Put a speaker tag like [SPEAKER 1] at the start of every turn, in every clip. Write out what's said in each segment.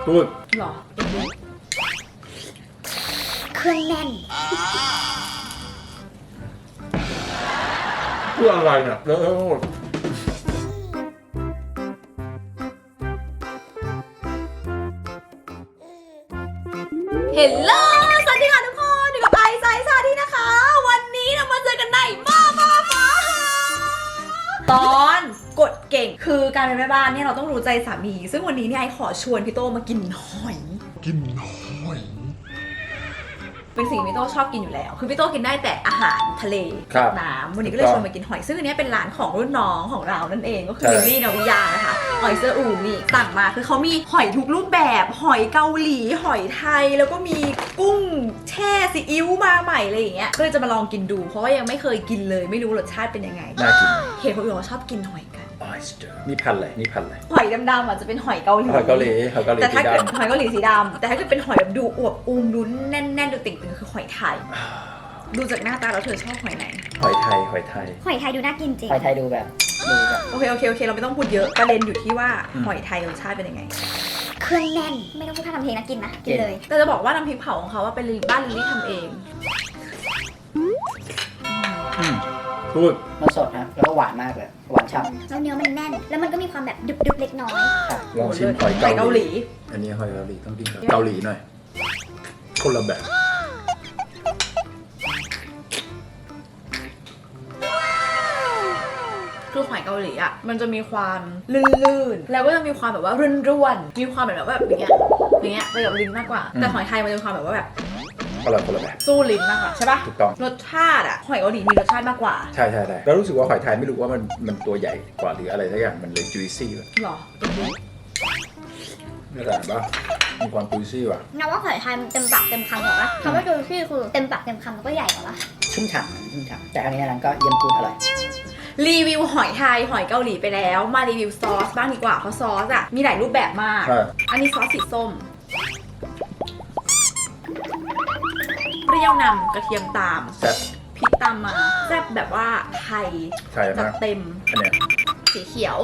[SPEAKER 1] พูด
[SPEAKER 2] หรอ
[SPEAKER 3] เครื่องแน่น
[SPEAKER 1] พูดอะไรเนี่ยเลอะเทอะหมด
[SPEAKER 2] เฮลโลสวัสดีค่ะทุกคนอยู่กับไอซ์ไซส์ซาที่นะคะวันนี้เรามาเจอกันในตอนกดเก่งคือการเป็นแม่บ้านเนี่ยเราต้องรู้ใจสามีซึ่งวันนี้เนี่ยไอขอชวนพี่โตมากินหอยเป็นสิ่งที่พี่โตชอบกินอยู่แล้วคือพี่โตกินได้แต่อาหารทะเลน้ำวันนี้ก็เลยชวนมากินหอยซึ่งอันนี้เป็นร้านของรุ่นน้องของเรานั่นเองก็คือลิลลี่นาวิยานะคะหอยเซอร์อูนี่สั่งมาคือเขามีหอยทุกรูปแบบหอยเกาหลีหอยไทยแล้วก็มีกุ้งแช่ซีอิ๊วมาใหม่อะไรอย่างเงี้ยก็เลยจะมาลองกินดูเพราะว่ายังไม่เคยกินเลยไม่รู้รสชาติเป็นยังไง
[SPEAKER 1] น่ากิน
[SPEAKER 2] เห็นคนอื่นเขาชอบกินหอยกัน
[SPEAKER 1] นี่พันอะไร
[SPEAKER 2] หอยดำๆอ่ะจะเป็นหอยเกาหลีแต่ถ้าเกิดหอยเกาหลีสีดำแต่ถ้าเกิดเป็นหอยแบบดูอวบอูมดูแน่นๆดูติ่งๆคือหอยไทยดูจากหน้าตาแล้วเธอชอบหอยไหน
[SPEAKER 1] หอยไทย
[SPEAKER 3] หอยไทยดูน่ากินจริง
[SPEAKER 4] หอยไทยดูแบบ
[SPEAKER 2] โอเคเราไม่ต้องพูดเยอะประเด็นอยู่ที่ว่าหอยไทยรสชาติเป็นยังไง
[SPEAKER 3] เครื่องแน่นไม่ต้องพูดท่าทำเพลงนะกินนะกินเลย
[SPEAKER 2] แต่จะบอกว่าน้ำพริกเผาของเขาว่าเป็นบ้านลิลลี่ทำเอง
[SPEAKER 1] พูด
[SPEAKER 4] มันสดนะแล้วก็หวานมากเลยหวานฉ่ำ
[SPEAKER 3] แล้วเนื้อมันแน่นแล้วมันก็มีความแบบดึบๆเล็กน้อย
[SPEAKER 1] ลองชิมหอยเกาหลีอันนี้หอยเกาหลีต้องกินเกาหลีหน่อยคนละแบบ
[SPEAKER 2] คือหอยเกาหลีอ่ะมันจะมีความลื่นๆแล้วก็จะมีความแบบว่าร่วนๆมีความแบบอย่างเงี้ยไปกับลิ้นมากกว่าแต่หอยไทยมันจะมีความแบบว่าแบบ
[SPEAKER 1] คนละแบบ
[SPEAKER 2] สู้ลิ้นมากกว่าใช่ปะ
[SPEAKER 1] ถูกต้อง
[SPEAKER 2] รสชาติอ่ะหอยเกาหลีมีรสชาติมากกว่า
[SPEAKER 1] ใช่แล้วรู้สึกว่าหอยไทยไม่รู้ว่ามันตัวใหญ่กว่าหรืออะไรสักอย่างมันเลยจุยซี่
[SPEAKER 2] หรอ
[SPEAKER 1] ไม่ต่างปะมีความจุยซี่ว่ะ
[SPEAKER 3] งั้นว่าหอยไทยมันเต็มปากเต็มคำหรอปะคำว่าจุยซี่คือเต็มปากเต็มคำแล้วก็ใหญ่กว่าปะ
[SPEAKER 4] ชุ่มฉ่ำแต่อันนี้นั้นก็เยี่ยมพูดอร่อย
[SPEAKER 2] รีวิวหอยไทยหอยเกาหลีไปแล้วมารีวิวซอสบ้างดีกว่าเพราะซอสอ่ะมีหลายรูปแบบมากอันนี้ซอสสีส้มเปรี้ยวนำกระเทียมตามพริกตามมาแซ่บแบบว่าไทยจัดเต็ม
[SPEAKER 1] อันเนี้ย
[SPEAKER 2] สีเขียว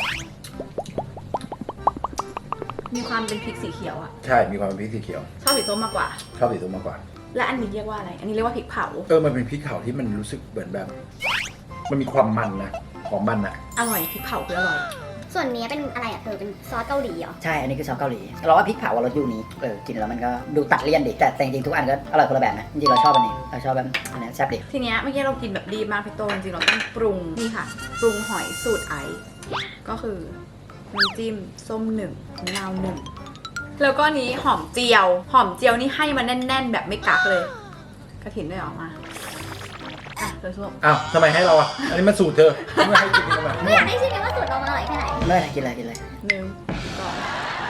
[SPEAKER 2] มีความเป็นพริกสีเขียวอ่ะ
[SPEAKER 1] ใช่มีความเป็นพริกสีเขียว
[SPEAKER 2] ชอบสีส้มมากกว่าและอันนี้เรียกว่าอะไรอันนี้เรียกว่าพริกเผา
[SPEAKER 1] มันเป็นพริกเผาที่มันรู้สึกเหมือนแบบมันมีความมันนะของมันอะ
[SPEAKER 2] อร่อยพริกเผาคืออร่อย
[SPEAKER 3] ส่วนนี้เป็นอะไรอ่ะเธอเป็นซอสเกาหลีเหรอ
[SPEAKER 4] ใช่อันนี้คือซอสเกาหลีเราว่าพริกเผารสยูนิคกินแล้วมันก็ดูตัดเลี่ยนดิแต่จริงๆทุกอันก็อร่อยคนละแบบนะจริงๆเราชอบอันนี้เราชอบแบบอันนี้แซ่บดิ
[SPEAKER 2] ทีเนี้ยเมื่อกี้เรากินแบบรีบมากพี่โตจริงๆเราต้องปรุงนี่ค่ะปรุงหอยสูตรไอก็คือน้ำจิ้มส้ม1มะนาว1แล้วก็นี้หอมเจียวนี่ให้มาแน่นๆแบบไม่กักเลยกระถิ่นได้ออกมาเธอชอบ
[SPEAKER 1] อ้าวทำไมให้เราอ่ะอันนี้มันสูตรเธอไม่ให้กินทำไม
[SPEAKER 3] ไม่อยากให้ชิมว่าสูตรเราอร่อยแค่ไหน
[SPEAKER 4] ไม่กินเลย
[SPEAKER 2] 1ก่อน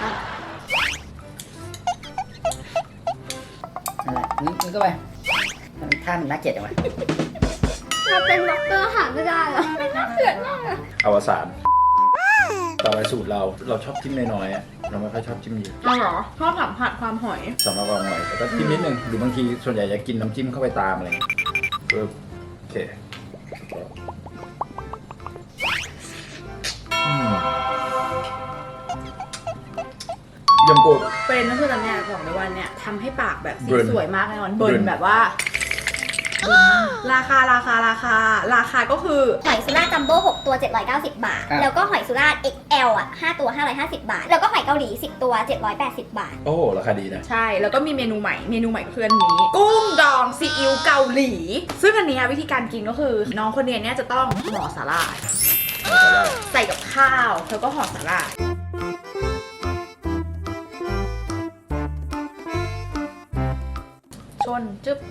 [SPEAKER 4] นั่นแหละนี่ก็ไปท่ามันน่าเกลียดจังวะ
[SPEAKER 3] เราเป็นด็อกเตอร์หาไม่ได้หรอมันน่าเกลียดมากอะ
[SPEAKER 1] อวสานต่อไปสูตรเราชอบจิ้มน้อยๆอ่ะเราไม่ค่อยชอบจิ้มเยอะ
[SPEAKER 2] เหรอชอบสัมผัสความหอย
[SPEAKER 1] สำหรับความหอยแต่ก็จิ้มนิดนึงหรือบางทีส่วนใหญ่จะกินน้ำจิ้มเข้าไปตามอะไรโอเคยำกุด
[SPEAKER 2] เป็นนั่นคือตำแหน่งของในวันเนี่ยทำให้ปากแบบสีสวยมากแน่นอนเบิร์นแบบว่าราคาก็คือ
[SPEAKER 3] หอยสุราจัมโบ้6ตัว790 บาทแล้วก็หอยสุรา XL อ่ะ5ตัว550 บาทแล้วก็หอยเกาหลี10ตัว780 บาท
[SPEAKER 1] โอ้ราคาดีนะ
[SPEAKER 2] ใช่แล้วก็มีเมนูใหม่ก็คืออันนี้กุ้งดองซีอิ๊วเกาหลีซึ่งอันนี้วิธีการกินก็คือน้องคนนี้เนี่ยจะต้องห่อสาหร่ายใส่กับข้าวแล้วก็ห่อสาหร่ายชนจึ๊บ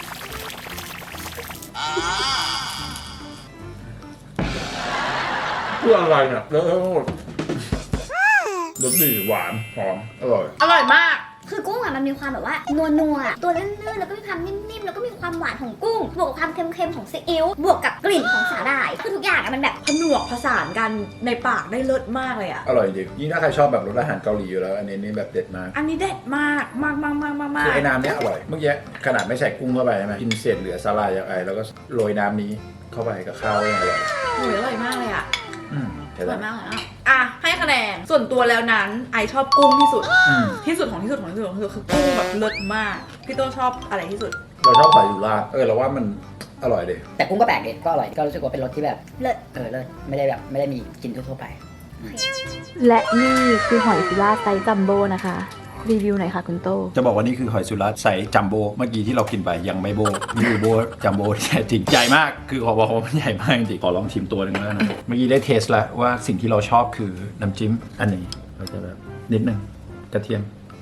[SPEAKER 1] เพื่ออะไรเนี่ยเลอะเทอะหมดรสดีหวานหอมอร่อย
[SPEAKER 2] มาก
[SPEAKER 3] คือกุ้งอ่ะมันมีความแบบว่านัวตัวลื่นๆแล้วก็มีความนิ่มๆแล้วก็มีความหวานของกุ้งบวกกับความเค็มๆของซีอิ๊วบวกกับกลิ่นของสาหร่ายคือทุกอย่างอ่ะมันแบบ
[SPEAKER 2] ผนวกผสานกันในปากได้เลิศมากเลยอ่ะ
[SPEAKER 1] อร่อยจริงยิ่งถ้าใครชอบแบบรสอาหารเกาหลีอยู่แล้วอันนี้แบบเด็ดมาก
[SPEAKER 2] อันนี้เด็ดมาก
[SPEAKER 1] คือไอ้น้ำเนี้ยอร่อยเมื่อกี้ขนาดไม่ใส่กุ้งเข้าไปใช่ไหมกินเศษเหลือสาหร่ายอย่างไรแล้วก็โรยน้ำนี้เข้าไปกับข้าวอร่อย
[SPEAKER 2] อร่อยมากเลยอ่ะอร่อยมากเลยอ่ะให้คะแนนส่วนตัวแล้วนั้นไอชอบกุ้งที่สุด
[SPEAKER 1] อืม
[SPEAKER 2] ที่สุดของที่สุดของที่สุดของที่สุดคือกุ้งแบบเลิศมากพี่โต้ชอบอะไรที่สุด
[SPEAKER 1] เราชอบหอยสุราษฎร์เราว่ามันอร่อยดี
[SPEAKER 4] แต่กุ้งก็แปลกดีก็อร่อยก็รู้สึกว่าเป็นรสที่แบบ
[SPEAKER 3] เลิศ
[SPEAKER 4] เลิศไม่ได้มีกินทั่วๆไป
[SPEAKER 5] และนี่คือหอยสุราษฎร์ไซส์จัมโบ้นะคะ รีวิวหน่อยค่ะคุณโต
[SPEAKER 1] จะบอกว่านี่คือหอยสุราษฎร์ไซส์จัมโบ้เมื่อกี้ที่เรากินไปยังไม่โบนี่คือโบจัมโบ้ที่แท้จริงใหญ่มากคือขอบอกว่ามันใหญ่มากจริงขอลองชิมตัวหนึ่งแล้วนะเมื่อกี้ได้เทสแล้วว่าสิ่งที่เราชอบคือน้ำจิ้มอันนี้เราจะแบบนิดนึงกระเทียม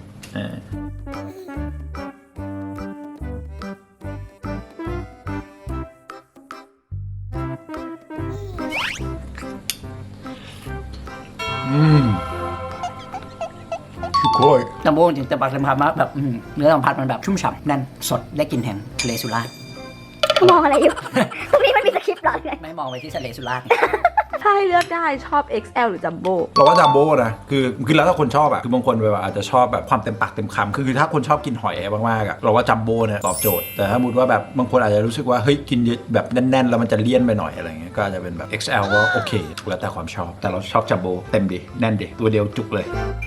[SPEAKER 1] โอ้ย
[SPEAKER 4] จัมโบ้จริงแต่ปากสัมผัสมากแบบเนื้อสัมผัสมันแบบชุ่มฉ่ำแน่นสดได้กลิ่นแห่งทะเลสุราษฎร์
[SPEAKER 3] มองอะไรอยู่ ตรงนี้มันมีสคริปต์เหรอไง
[SPEAKER 4] ไม่มองไปที่ทะเลสุราษฎร์
[SPEAKER 5] ถ้าให้เลือกได้ชอบ XL หรือจัมโบ้
[SPEAKER 1] เราว่าจัมโบ้นะคือแล้วถ้าคนชอบคือบางคนแบบอาจจะชอบแบบความเต็มปากเต็มคำคือถ้าคนชอบกินหอยมากๆเราว่าจัมโบ้เนี่ยตอบโจทย์แต่ถ้าสมมติว่าแบบบางคนอาจจะรู้สึกว่าเฮ้ยกินเยอะแบบแน่นๆแล้วมันจะเลี่ยนไปหน่อยอะไรเงี้ยก็อาจจะเป็นแบบ XL ก็โอเคแล้วแต่ความชอบแต่เราชอบจัมโบ้เต็มดิแน่นดิตัวเดียวจุกเลย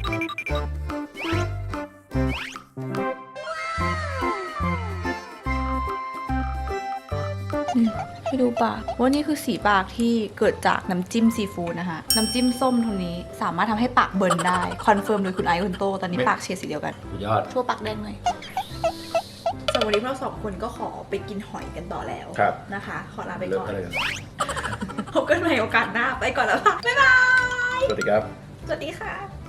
[SPEAKER 2] ให้ดูปากว่านี่คือสีปากที่เกิดจากน้ำจิ้มซีฟู้ดนะคะน้ำจิ้มส้มตรงนี้สามารถทำให้ปากเบิร์นได้คอนเฟิร์มโดยคุณไอซ์คุณโตตอนนี้ปากเฉดสีเดียวกัน
[SPEAKER 1] สุดยอด
[SPEAKER 2] ทั่วปากแดงเลยสำหรับวันนี้พวกเราสองคนก็ขอไปกินหอยกันต่อแล้ว
[SPEAKER 1] ครับ
[SPEAKER 2] นะคะ ขอลาไป
[SPEAKER 1] เลิก
[SPEAKER 2] ก่อน
[SPEAKER 1] อะไรกัน
[SPEAKER 2] พบกันใหม่โอกาสหน้าไปก่อนแล้วค่ะบ๊ายบาย
[SPEAKER 1] สวัสดีครับ
[SPEAKER 2] สวัสดีค่ะ